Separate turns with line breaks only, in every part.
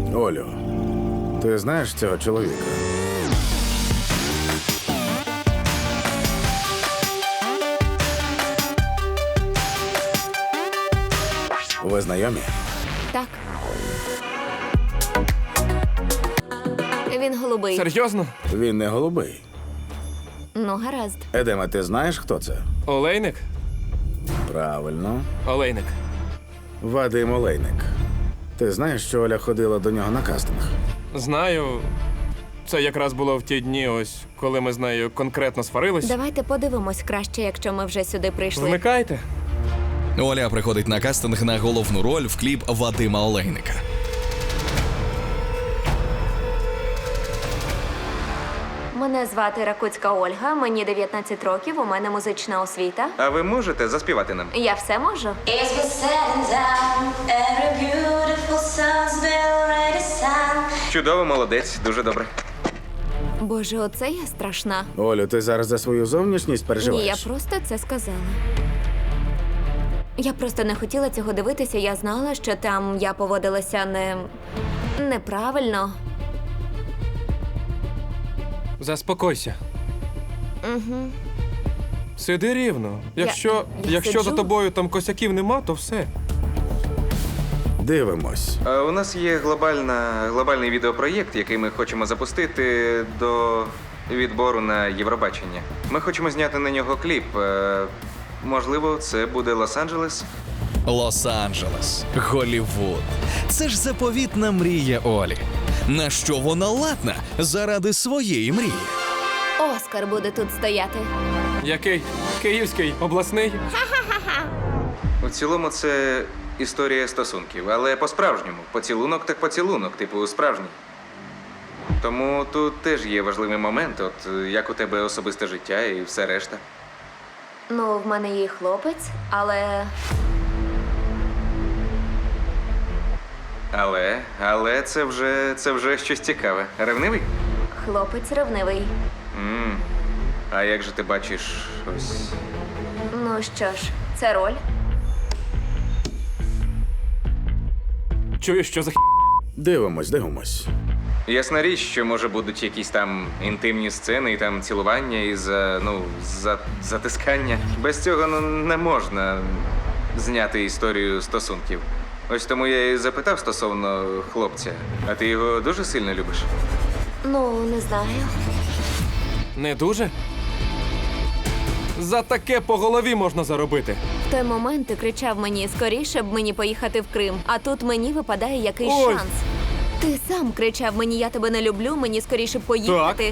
Олю, ти знаєш цього чоловіка? Ви знайомі?
Так. Він голубий.
Серйозно?
Він не голубий.
Ну, гаразд.
Едема, ти знаєш, хто це?
Олейник?
Правильно.
Олейник.
Вадим Олейник. Ти знаєш, що Оля ходила до нього на кастинг?
Знаю. Це якраз було в ті дні, ось, коли ми з нею конкретно сварились.
Давайте подивимось краще, якщо ми вже сюди прийшли.
Вмикайте.
Оля приходить на кастинг на головну роль в кліп Вадима Олейника.
Мене звати Ракуцька Ольга, мені 19 років, у мене музична освіта.
А ви можете заспівати нам?
Я все можу.
It's been setting down. Every beautiful sun's been already sun.
Чудово, молодець, дуже добре.
Боже, оце я страшна.
Олю, ти зараз за свою зовнішність
Ні,
переживаєш?
я просто це сказала. Я просто не хотіла цього дивитися, я знала, що там я поводилася неправильно.
Заспокойся. Угу. Сиди рівно. Якщо
я
за
сиджу.
тобою там косяків нема, то все.
Дивимось.
У нас є глобальний відеопроєкт, який ми хочемо запустити до відбору на Євробачення. Ми хочемо зняти на нього кліп. Можливо, це буде Лос-Анджелес.
Лос-Анджелес, Голлівуд. Це ж заповітна мрія Олі. На що вона ладна заради своєї мрії?
Оскар буде тут стояти.
Який? Київський, обласний?
У цілому це історія стосунків, але по-справжньому. Поцілунок так поцілунок, типу справжній. Тому тут теж є важливий момент, от як у тебе особисте життя і все решта.
Ну, в мене є хлопець, але
Але це вже щось цікаве. Ревнивий?
хлопець ревнивий.
А як же ти бачиш ось.
Ну що ж, це роль.
Чуєш, що за
Дивимось.
Ясна річ, що може будуть якісь там інтимні сцени, і там цілування, і затискання. Без цього не можна зняти історію стосунків. Ось тому я і запитав стосовно хлопця. А ти його дуже сильно любиш?
Ну, не знаю.
Не дуже? За таке по голові можна заробити.
В той момент ти кричав мені скоріше б мені поїхати в Крим, а тут мені випадає якийсь
Ой.
шанс. Ти сам кричав мені, я тебе не люблю, мені скоріше б поїхати.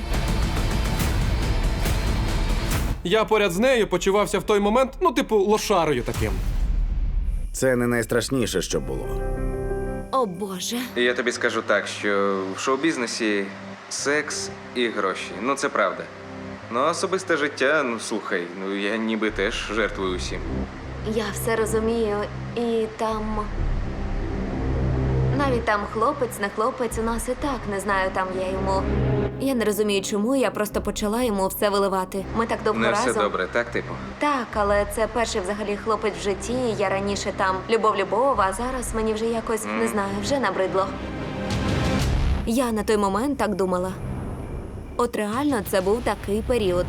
Я поряд з нею почувався в той момент, ну, типу, лошарою таким.
Це не найстрашніше, що було.
О Боже.
І я тобі скажу так, що в шоу-бізнесі секс і гроші. Ну, це правда. Ну, а особисте життя, ну слухай, ну я ніби теж жертвую усім.
Я все розумію, і там. Навіть там хлопець, не хлопець, у нас і так, не знаю, там я йому. Я не розумію, чому, я просто почала йому все виливати. Ми так довго
Не
разом.
все добре, так, типу?
Так, але це перший взагалі хлопець в житті. Я раніше там любов, а зараз мені вже якось, не знаю, вже набридло. Я на той момент так думала. От реально це був такий період.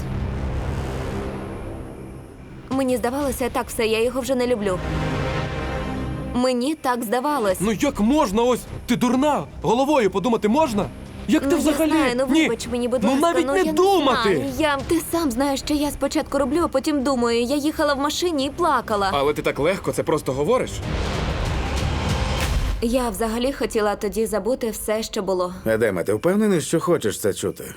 Мені здавалося, так все, я його вже не люблю. Мені так здавалось.
Ну як можна ось? Ти дурна? Головою подумати можна? Як ти
Ну,
взагалі?
я знаю, ну
Ні.
вибач мені, будь
Ну
ласка,
навіть не
я
думати!
Не знаю. Ти сам знаєш, що я спочатку роблю, а потім думаю. Я їхала в машині і плакала.
Але ти так легко це просто говориш.
Я взагалі хотіла тоді забути все, що було.
Едеме, ти впевнений, що хочеш це чути?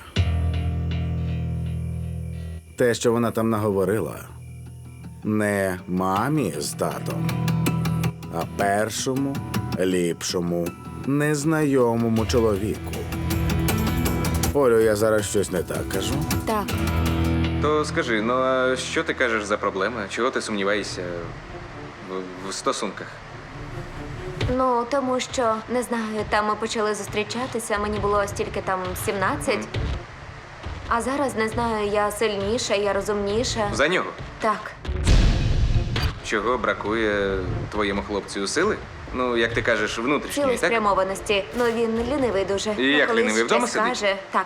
Те, що вона там наговорила, не мамі з татом, а першому, ліпшому, незнайомому чоловіку. Олю, я зараз щось не так кажу.
Так.
То скажи, ну а що ти кажеш за проблеми? Чого ти сумніваєшся в стосунках?
Ну, тому що, не знаю, там ми почали зустрічатися, мені було стільки там 17. А зараз, не знаю, я сильніша, я розумніша.
За нього?
Так.
Чого бракує твоєму хлопцю сили? Ну, як ти кажеш, внутрішньої, так?
Цілеспрямованості. Ну він лінивий дуже.
І як
Колись
лінивий, вдома
щось
сидить?
скаже. Так.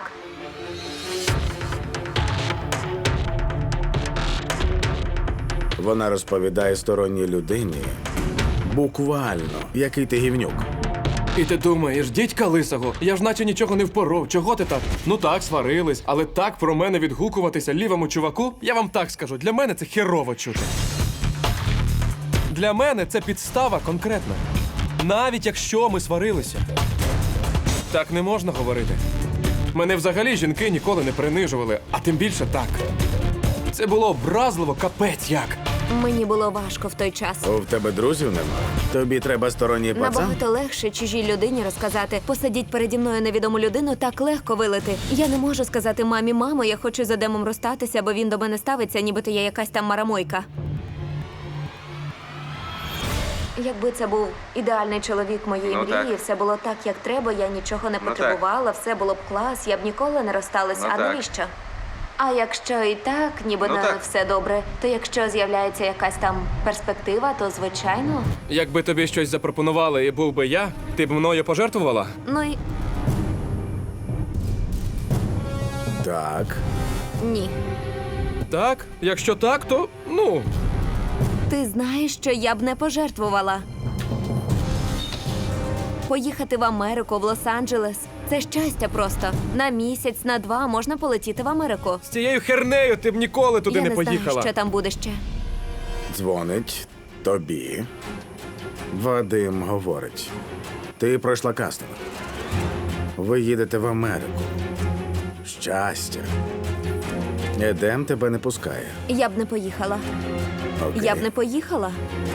Вона розповідає сторонній людині буквально, який ти гівнюк.
І ти думаєш, дідька лисого, я ж наче нічого не впоров. Чого ти так? Ну так, сварились, але так про мене відгукуватися лівому чуваку, я вам так скажу, для мене це херово чути. Для мене це підстава конкретна. Навіть якщо ми сварилися. Так не можна говорити. Мене взагалі жінки ніколи не принижували, а тим більше так. Це було образливо, капець як.
Мені було важко в той час.
В тебе друзів нема? Тобі треба сторонній пацан?
Набагато легше чужій людині розказати. Посадіть переді мною невідому людину, так легко вилити. Я не можу сказати мамі, мамо, я хочу з Едемом розстатися, бо він до мене ставиться, нібито я якась там марамойка. Якби це був ідеальний чоловік моєї
Ну,
мрії,
так.
все було так, як треба, я нічого не
Ну,
потребувала, все було б клас, я б ніколи не розсталась.
Ну,
а
так.
навіщо? А якщо і так, ніби
Ну,
на
так.
все добре, то якщо з'являється якась там перспектива, то звичайно.
Якби тобі щось запропонували і був би я, ти б мною пожертвувала?
Ну і
Так.
ні.
Так, якщо так, то ну.
Ти знаєш, що я б не пожертвувала. Поїхати в Америку, в Лос-Анджелес – це щастя просто. На місяць, на 2 можна полетіти в Америку.
З цією хернею ти б ніколи туди
я
не
не
поїхала.
знаю, що там буде ще.
Дзвонить тобі. Вадим говорить. Ти пройшла кастинг. Ви їдете в Америку. Щастя. Едем тебе не пускає.
Я б не поїхала.
Окей.
Я б не поїхала.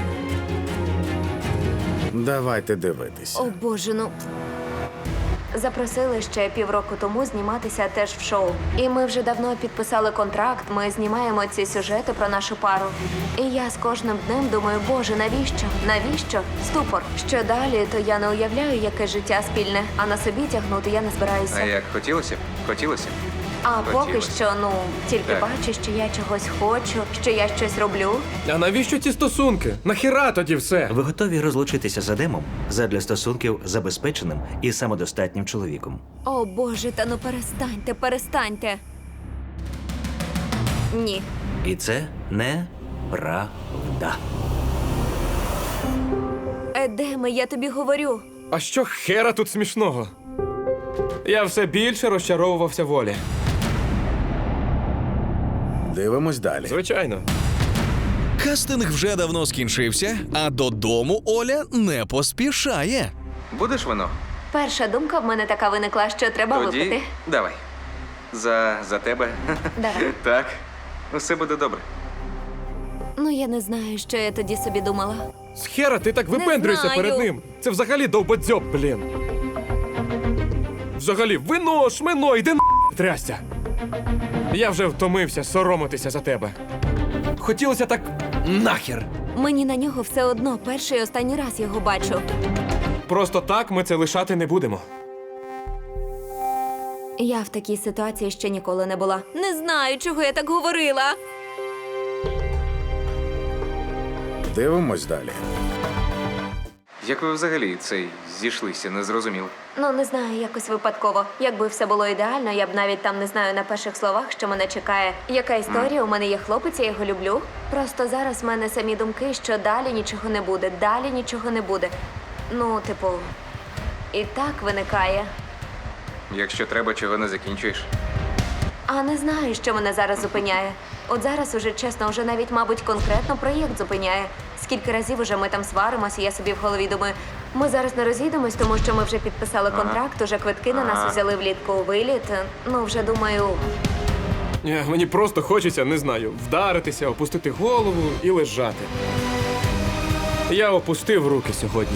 Давайте дивитися.
О, Боже, ну. Запросили ще півроку тому зніматися теж в шоу. І ми вже давно підписали контракт, ми знімаємо ці сюжети про нашу пару. І я з кожним днем думаю, Боже, навіщо? Навіщо? Ступор. Що далі, то я не уявляю, яке життя спільне, а на собі тягнути я не збираюся.
А як хотілося б? Хотілося б.
А поки
Хотілося.
що, ну, тільки
Так.
бачу, що я чогось хочу, що я щось роблю.
А навіщо ці стосунки? Нахіра тоді все?
Ви готові розлучитися з Едемом задля стосунків з забезпеченим і самодостатнім чоловіком?
О, Боже, та ну перестаньте, перестаньте. Ні.
І це неправда.
Едеме, я тобі говорю.
А що хера тут смішного? Я все більше розчаровувався волі.
Дивимось далі.
Звичайно.
Кастинг вже давно скінчився, а додому Оля не поспішає.
Будеш вино?
Перша думка в мене така виникла, що треба
Тоді
випити.
давай. За тебе.
Давай.
Так. Усе буде добре.
Ну, я не знаю, що я тоді собі думала.
Схера, ти так випендрюєшся
знаю.
перед ним. Це взагалі довбодзьоб, блін. Взагалі, вино, шмино, йди на трясся. Я вже втомився соромитися за тебе. Хотілося так нахер.
Мені на нього все одно перший і останній раз його бачу.
Просто так ми це лишати не будемо.
Я в такій ситуації ще ніколи не була. Не знаю, чого я так говорила.
Дивимось далі.
Як ви взагалі цей зійшлися, не зрозуміло.
Ну, не знаю, якось випадково. Якби все було ідеально, я б навіть там не знаю на перших словах, що мене чекає. Яка історія? У мене є хлопець, я його люблю. Просто зараз в мене самі думки, що далі нічого не буде, далі нічого не буде. Ну, типу, і так виникає.
Якщо треба, чого не закінчуєш.
А не знаю, що мене зараз зупиняє. От зараз уже чесно, вже навіть, мабуть, конкретно проєкт зупиняє. Скільки разів уже ми там сваримося, я собі в голові думаю, ми зараз не розійдемось, тому що ми вже підписали контракт, уже квитки на нас взяли влітку у виліт. Ну, вже думаю,
Мені просто хочеться, не знаю, вдаритися, опустити голову і лежати. Я опустив руки сьогодні.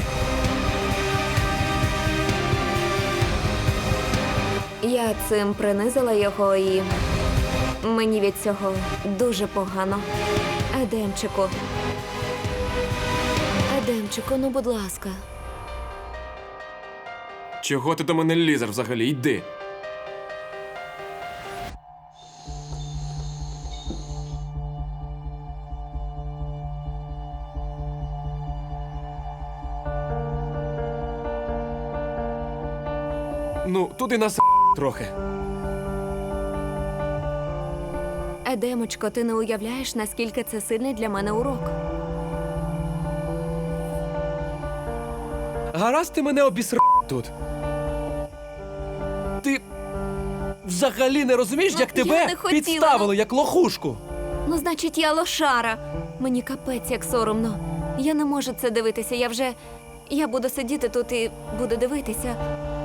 я цим принизила його і мені від цього дуже погано. Едемчику. Едемчику, ну будь ласка.
Чого ти до мене лізер взагалі? Йди. Ну, туди нас трохи.
Едемочко, ти не уявляєш, наскільки це сильний для мене урок.
Гаразд ти мене обіср тут. Ти взагалі не розумієш, як
Я
тебе
не хотіла,
підставили, як лохушку.
Ну, значить, я лошара. Мені капець як соромно. Я не можу це дивитися. Я буду сидіти тут і буду дивитися.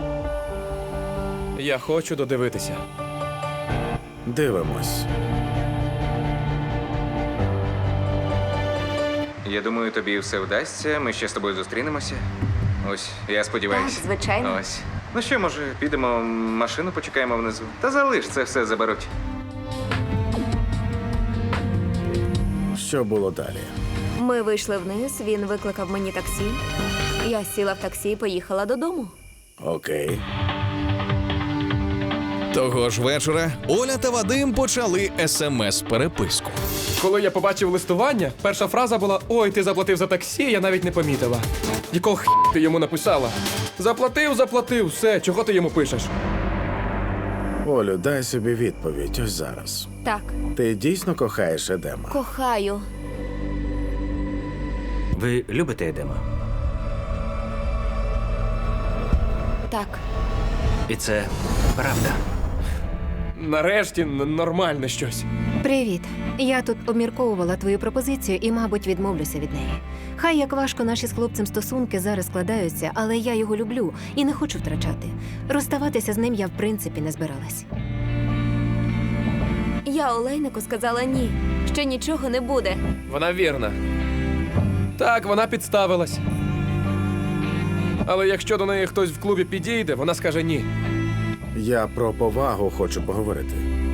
Я хочу додивитися.
Дивимось.
Я думаю, тобі все вдасться. Ми ще з тобою зустрінемося. Ось, я сподіваюся.
Так, звичайно.
Ось. Ну що, може, підемо, машину почекаємо внизу. Та залиш, це все заберуть.
Що було далі?
Ми вийшли вниз, він викликав мені таксі. Я сіла в таксі і поїхала додому.
Окей.
Того ж вечора Оля та Вадим почали смс-переписку.
Коли я побачив листування, перша фраза була: «Ой, ти заплатив за таксі, я навіть не помітила». Якого ти йому написала? Заплатив, все, чого ти йому пишеш?
Олю, дай собі відповідь ось зараз.
Так,
Ти дійсно кохаєш Едема?
кохаю.
Ви любите Едема?
Так.
І це правда.
Нарешті нормальне щось.
Привіт. Я тут обмірковувала твою пропозицію і, мабуть, відмовлюся від неї. Хай як важко наші з хлопцем стосунки зараз складаються, але я його люблю і не хочу втрачати. Розставатися з ним я в принципі не збиралась.
Я Олейнику сказала ні, що нічого не буде.
Вона вірна. Так, вона підставилась. Але якщо до неї хтось в клубі підійде, вона скаже ні.
Я про повагу хочу поговорити.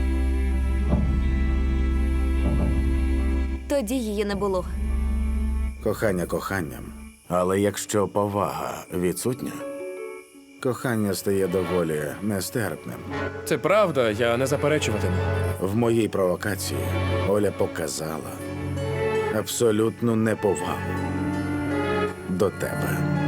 Тоді її не було.
Кохання коханням. Але якщо повага відсутня, кохання стає доволі нестерпним.
Це правда, я не заперечуватиму.
В моїй провокації Оля показала абсолютну неповагу до тебе.